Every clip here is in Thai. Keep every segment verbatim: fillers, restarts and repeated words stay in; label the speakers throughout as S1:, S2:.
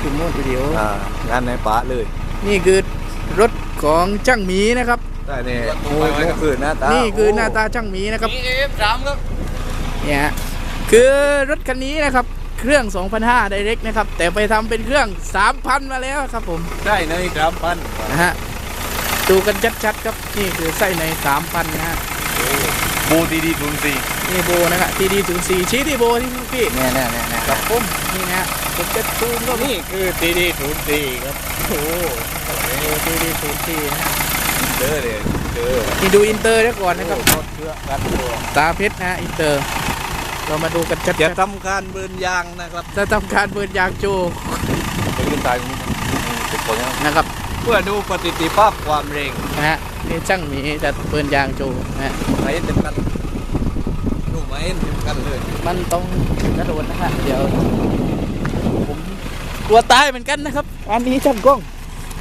S1: จุ่มโมดวิดีโอ
S2: อ่างานในป่าเลย
S1: นี่คือรถของช่างหมีนะครับ
S2: ได้เนี่ยโอ้ยนี่คือหน้าตา
S1: นี่
S2: นี่
S1: คือหน้าตาช่างหมีนะครับ
S3: มีเอฟสามครับ
S1: เนี่ยฮะคือรถคันนี้นะครับเครื่อง สองพันห้าร้อย Direct นะครับแต่ไปทำเป็นเครื่อง สามพัน มาแล้วครับผม
S2: ได้ในสามพัน
S1: นะฮะดูกันชัดๆครับนี่คือไส้ใน สามพัน นะฮะ
S2: โบดีดีทุนสี่
S1: นี่โบนะครับ ที ดี ศูนย์ สี่ ชี้ที่โบที่พี่
S2: เนี่ยเนี่ยเนี่ยเนี่ย
S1: กับผมนี่นะฮะผมจะซูมก็มี
S2: นี่คือดีดีทุนสี่ครับ
S1: โอ้โหที ดี ศูนย์ สี่ นะฮะ
S2: เจอเลยเจอ
S1: นี่ดูอินเตอร์ได้ก่อนนะครับ
S2: รถเชื่อกันตัว
S1: ตาเพชรนะฮะอินเตอร์เรามาดูกันชัด
S2: จะทำการเบิร์นยางนะครับ
S1: ๆจะทำการเปิดยางโจ
S2: จะขึ้นตายเป็นคนยัง
S1: นะครับ
S2: เพื่อดูปฏิทินภาพความเร็ง
S1: นะฮะนี่ช่างหมีจะเปิดยางโจนะฮะ
S2: ไหมเต็มกันดูไหมเต็มกันเลย
S1: มันต้องกระโดดนะฮะเดี๋ยวผมกลัวตายเหมือนกันนะครับอันนี้ช่างกล้อง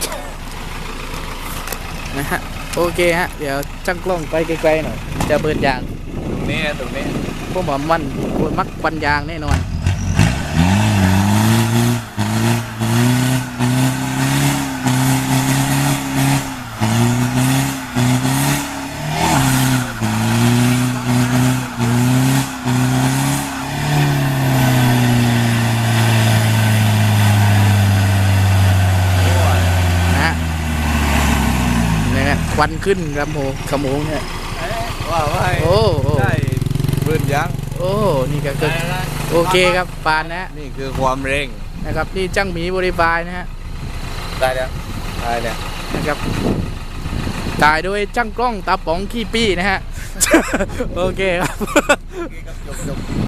S1: นะฮะโอเคฮะเดี๋ยวช่างกล้องไปไกลๆหน่อยจะเปิดยาง
S2: ตรงนี้ตรงนี้
S1: พวกหมอมันพวกมักปันยางแน่นอนนะฮะเนี่ยควันขึ้นลำโพงขโมงเนี่ย
S2: ว่าว่า
S1: โอ้โห
S2: ได้เบิร์นยาง
S1: โอ้นี่ก็คือโอเคครับปานนะฮะ
S2: นี่คือความเร่ง
S1: นะครับนี่จ้างหมีบริบายนะฮะ
S2: ได้แล้วได้แล้ว
S1: นะครับถ่ายโดยจ้างกล้องตาป๋องขี้ปี้นะฮะ โอเคครับ